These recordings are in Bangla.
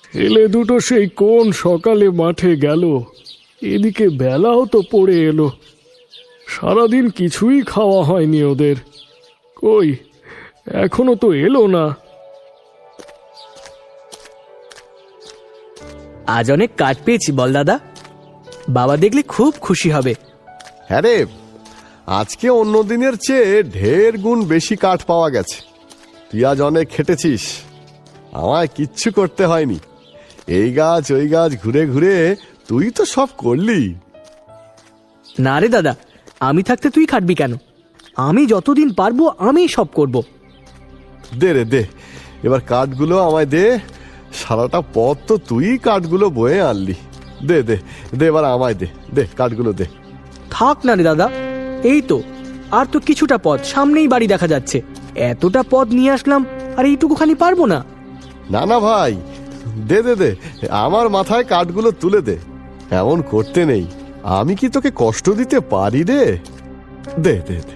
ছেলে দুটো সেই কোন সকালে মাঠে গেল, এদিকে বেলাও তো পড়ে এলো। সারাদিন কিছুই খাওয়া হয়নি ওদের। কই, এখনো তো এলো না। আজ অনেক কাঠ পেয়েছি বল দাদা, বাবা দেখলে খুব খুশি হবে। হ্যাঁ রে, আজকে অন্য দিনের চেয়ে ঢের গুণ বেশি কাঠ পাওয়া গেছে। তুই আজ অনেক খেটেছিস, আমায় কিচ্ছু করতে হয়নি। এই গাছ ওই গাছ ঘুরে ঘুরে তুই তো সব করলি। না রে দাদা, আমি থাকতে তুই খাটবি কেন? আমি যতদিন পারবো আমি সব করব। দে রে দে, এবার কাঠগুলো আমায় দে। সারাটা পথ তো তুই কাঠগুলো বয়ে আনলি। দে দে দে, এবার আমায় দে, দে কাঠগুলো দে। থাক না রে দাদা, এই তো আর তো কিছুটা পথ, সামনেই বাড়ি দেখা যাচ্ছে। এতটা পথ নিয়ে আসলাম আর এইটুকুখানি পারবো না। না না ভাই, দে দে দে, আমার মাথায় কাঠগুলো তুলে দে। এমন করতে নেই, আমি কি তোকে কষ্ট দিতে পারি রে? দে দে দে।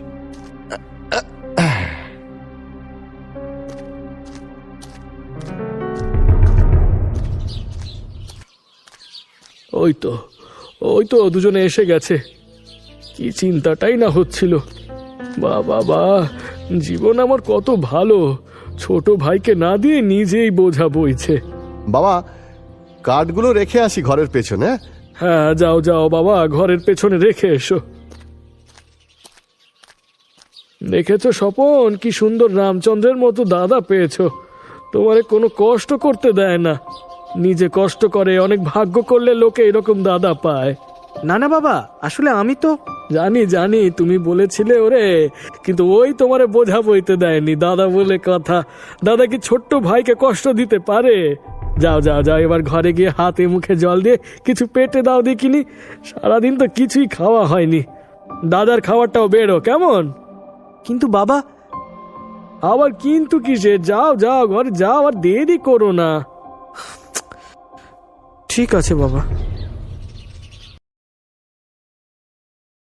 ওই তো ওই তো দুজনে এসে গেছে। কি চিন্তাটাই না হচ্ছিল। বাবা, জীবন আমার কত ভালো, ছোট ভাইকে না দিয়ে নিজেই বোঝা বইছে। বাবা, কাঠগুলো রেখে আসি ঘরের পেছনে। হ্যাঁ, যাও যাও বাবা, ঘরের পেছনে রেখে এসো। দেখেছো স্বপন, কি সুন্দর রামচন্দ্রের মতো দাদা পেয়েছো। তোমারে কোনো কষ্ট করতে দেয় না, নিজে কষ্ট করে। অনেক ভাগ্য করলে লোকে এরকম দাদা পায়। না না বাবা, আসলে আমি তো জানি জানি, তুমি বলেছিলে ওরে, কিন্তু ওই তোমারে বোঝা বইতে দেয়নি। দাদা বলে কথা, দাদা কি ছোট্ট ভাইকে কষ্ট দিতে পারে? যাও যাও যাও, এবার ঘরে গিয়ে হাতে মুখে জল দিয়ে কিছু পেটে দাও দেখিনি। সারাদিন তো কিছুই খাওয়া হয়নি। দাদার খাবারটাও বেরো কেমন? কিন্তু বাবা। আবার কিন্তু কিসে? যাও যাও ঘরে যাও, আর দেরি করো না। ঠিক আছে বাবা।